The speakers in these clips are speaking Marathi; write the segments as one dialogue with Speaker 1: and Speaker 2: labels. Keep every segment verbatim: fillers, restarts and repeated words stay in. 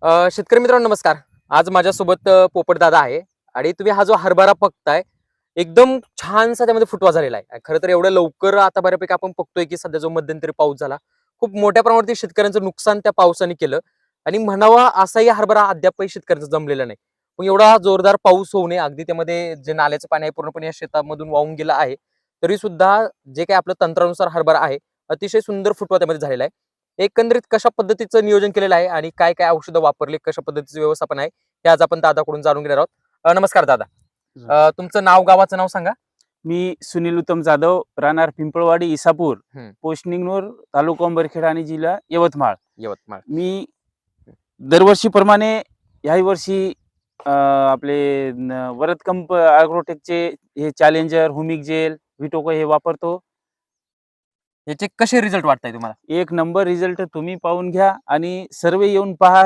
Speaker 1: अ, शेतकरी मित्रांनो नमस्कार. आज माझ्यासोबत अ, पोपटदादा आहे आणि तुम्ही हा जो हरभरा बघताय एकदम छानसा त्यामध्ये फुटवा झालेला आहे. खरं तर एवढ्या लवकर आता बऱ्यापैकी आपण बघतोय की सध्या जो मध्यंतरी पाऊस झाला खूप मोठ्या प्रमाणावरती शेतकऱ्यांचं नुकसान त्या पावसाने केलं आणि म्हणावा असाही हरभरा अद्यापही शेतकऱ्यांचा जमलेला नाही. पण एवढा जोरदार पाऊस होऊ नये अगदी त्यामध्ये जे नाल्याचं पाणी आहे पूर्णपणे या शेतामधून वाहून गेलं आहे. तरी सुद्धा जे काही आपलं तंत्रानुसार हरभरा आहे अतिशय सुंदर फुटवा त्यामध्ये झालेला आहे. एकंदरीत कशा पद्धतीचं नियोजन केलेलं आहे आणि काय काय औषधं वापरली, कशा पद्धतीचं व्यवस्थापन आहे हे आज आपण दादाकडून जाणून घेणार आहोत. अ, नमस्कार दादा. अ, तुमचं नाव गावाचं नाव सांगा.
Speaker 2: मी सुनील उत्तम जाधव, राहणार पिंपळवाडी, इसापूर,
Speaker 1: हम्म.
Speaker 2: पोस्ट निंगनूर, तालुका अंबरखेड आणि जिल्हा यवतमाळ.
Speaker 1: यवतमाळ.
Speaker 2: मी दरवर्षीप्रमाणे ह्याही वर्षी अ, आपले न- वरद कंप अॅग्रोटेकचे हे चॅलेंजर, हुमिक जेल, व्हिटोको हे वापरतो.
Speaker 1: याचे कसे रिझल्ट वाटताय तुम्हाला?
Speaker 2: एक नंबर रिझल्ट तुम्ही पाहून घ्या आणि सर्व येऊन पहा.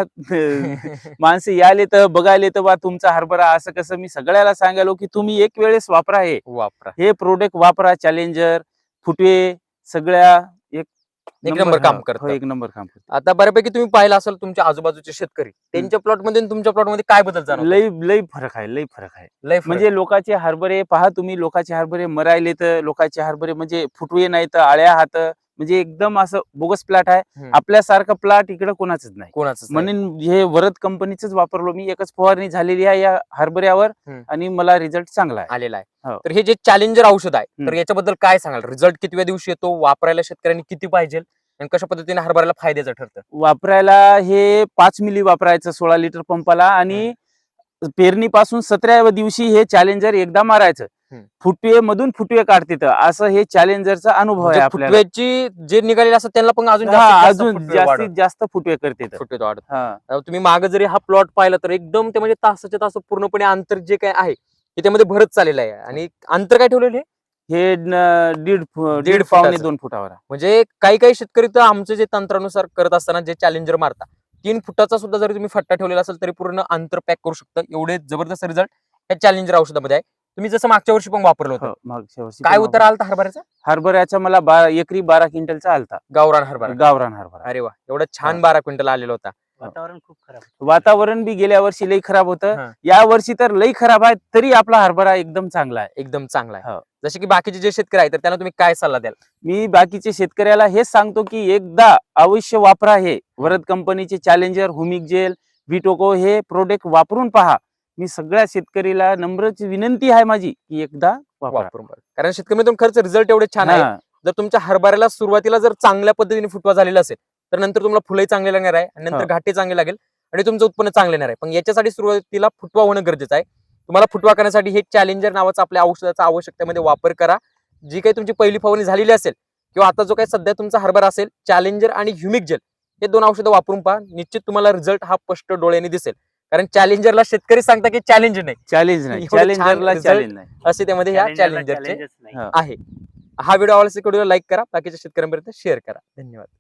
Speaker 2: माणसं यायले तर बघायले तर बा तुमचा हरभरा असं कसं. मी सगळ्याला सांगालो की तुम्ही एक वेळेस वापरा हे
Speaker 1: वापरा.
Speaker 2: हे प्रोडक्ट वापरा. चॅलेंजर, फुटवे सगळ्या एक
Speaker 1: एक नंबर काम
Speaker 2: हा,
Speaker 1: करतं.
Speaker 2: हो, एक नंबर काम करतं.
Speaker 1: आता बऱ्यापैकी तुम्ही पाहिलं असेल तुमच्या आजूबाजूचे शेतकरी त्यांच्या प्लॉट मध्ये आणि तुमच्या प्लॉट मध्ये काय बदल जाणवतो?
Speaker 2: लई लई फरक आहे, लई फरक आहे.
Speaker 1: लय फरक.
Speaker 2: म्हणजे लोकांचे हरभरे पहा तुम्ही, लोकांचे हरभरे मरायले तर लोकांचे हरभरे म्हणजे फुटवे नाही तर आळ्या हात, म्हणजे एकदम असं बोगस प्लॉट आहे.
Speaker 1: हम्म.
Speaker 2: आपल्यासारखं प्लॉट इकडे कोणाचंच नाही.
Speaker 1: कोणाचंच नाही.
Speaker 2: म्हणून हे वरद कंपनीच वापरलो मी. एकच फवारणी झालेली आहे या हरभऱ्यावर
Speaker 1: हम्म.
Speaker 2: आणि मला रिझल्ट चांगला आहे.
Speaker 1: आलेला आहे.
Speaker 2: हो.
Speaker 1: तर हे जे चॅलेंजर औषध आहे तर
Speaker 2: हम्म.
Speaker 1: याच्याबद्दल काय सांगाल? रिझल्ट कितव्या दिवशी येतो? वापरायला शेतकऱ्यांनी किती पाहिजे आणि कशा पद्धतीने हरभऱ्याला फायद्याचं ठरतं?
Speaker 2: वापरायला हे पाच मिली वापरायचं सोळा लिटर पंपाला आणि पेरणीपासून सतराव्या दिवशी हे चॅलेंजर एकदा मारायचं.
Speaker 1: हम्म.
Speaker 2: फुटवे मधून फुटवे काढते तर असं हे चॅलेंजरचा अनुभव आहे
Speaker 1: म्हणजे
Speaker 2: आपल्याला.
Speaker 1: फुटव्याची जे निघालेले असतात त्यांना पण अजून
Speaker 2: हा,
Speaker 1: जास्तीत जास्त
Speaker 2: अजून
Speaker 1: फुटवे
Speaker 2: जास्तीत
Speaker 1: वाढत-
Speaker 2: जास्त फुटवे करते तर.
Speaker 1: फुटवे वाढत.
Speaker 2: हा.
Speaker 1: अ, तुम्ही मागे जरी हा प्लॉट पाहिला तर एकदम ते म्हणजे तासाच्या तास पूर्णपणे अंतर जे काय आहे ते त्यामध्ये भरत चाललेलं आहे आणि अंतर काय ठेवलेलं आहे?
Speaker 2: हे न- दीड फु-
Speaker 1: दीड
Speaker 2: दीड पावणे
Speaker 1: फुटाचं.
Speaker 2: दोन फुटावर आहे.
Speaker 1: म्हणजे काही काही शेतकरी तर आमचे जे तंत्रानुसार करत असताना जे चॅलेंजर मारता तीन फुटाचा सुद्धा जरी तुम्ही फट्टा ठेवलेला असेल तरी पूर्ण अंतर पॅक करू शकता. एवढे जबरदस्त रिझल्ट या चॅलेंजर औषधामध्ये आहे. तुम्ही जसं मागच्या वर्षी पण वापरलं होतं.
Speaker 2: हो, मागच्या वर्षी
Speaker 1: काय
Speaker 2: पण
Speaker 1: उतार आलता हरभऱ्याचा?
Speaker 2: हरभऱ्याचा मला बारा एकरी बारा क्विंटलचा आलता.
Speaker 1: गावरान हरभरा.
Speaker 2: गावरान हरभरा.
Speaker 1: अरे वा, एवढा छान
Speaker 2: हा.
Speaker 1: बारा क्विंटल आलेला होता.
Speaker 3: वातावरण खूप खराब.
Speaker 2: वातावरण बी गेल्या वर्षी लई खराब होतं.
Speaker 1: हा.
Speaker 2: या वर्षी तर लई खराब आहे, तरी आपला हरभरा एकदम चांगला आहे.
Speaker 1: एकदम चांगला आहे.
Speaker 2: हो.
Speaker 1: जसे की बाकीचे जे शेतकरी आहेत तर त्यांना तुम्ही काय सल्ला द्याल?
Speaker 2: मी बाकीचे शेतकऱ्याला हेच सांगतो की एकदा अवश्य वापरा हे वरद कंपनीचे चॅलेंजर, हुमिक जेल, व्हिटोको हे प्रोडक्ट वापरून पहा. मी सगळ्या शेतकरीला नम्रच विनंती आहे माझी की एकदा वापरा.
Speaker 1: वापरून बघा. कारण शेतकरी मित्रांनो खरंच रिझल्ट एवढे छान आहे.
Speaker 2: हा.
Speaker 1: जर तुमच्या हरभऱ्याला सुरुवातीला जर चांगल्या पद्धतीने फुटवा झालेला असेल तर नंतर तुम्हाला फुलंही चांगले लागणार आहे आणि नंतर
Speaker 2: हो.
Speaker 1: घाटे चांगले लागेल आणि तुमचं उत्पन्न चांगले येणार आहे. पण याच्यासाठी सुरुवातीला फुटवा होणं गरजेचं आहे. तुम्हाला फुटवा करण्यासाठी हे चॅलेंजर नावाचा आपल्या औषधाचा आवश्यकतेमध्ये वापर करा. जी काही तुमची पहिली फवारणी झालेली असेल किंवा आता जो काही सध्या तुमचा हरभरा असेल, चॅलेंजर आणि ह्युमिक जेल हे दोन औषधं वापरून पहा. निश्चित तुम्हाला रिझल्ट हा स्पष्ट डोळ्याने दिसेल. कारण चॅलेंजरला शेतकरी सांगता की चॅलेंज नाही,
Speaker 2: चॅलेंज नाही,
Speaker 1: एवढं छान
Speaker 2: चॅलेंजरला
Speaker 1: result
Speaker 2: चॅलेंज नाही.
Speaker 1: असे त्यामध्ये ह्या
Speaker 3: Challenger ला
Speaker 1: चॅलेंजरचे
Speaker 3: challenges नाही.
Speaker 2: हा.
Speaker 1: आहे. हा व्हिडिओ आवडल्यास व्हिडिओला लाईक करा, बाकीच्या शेतकऱ्यांपर्यंत शेअर करा. धन्यवाद.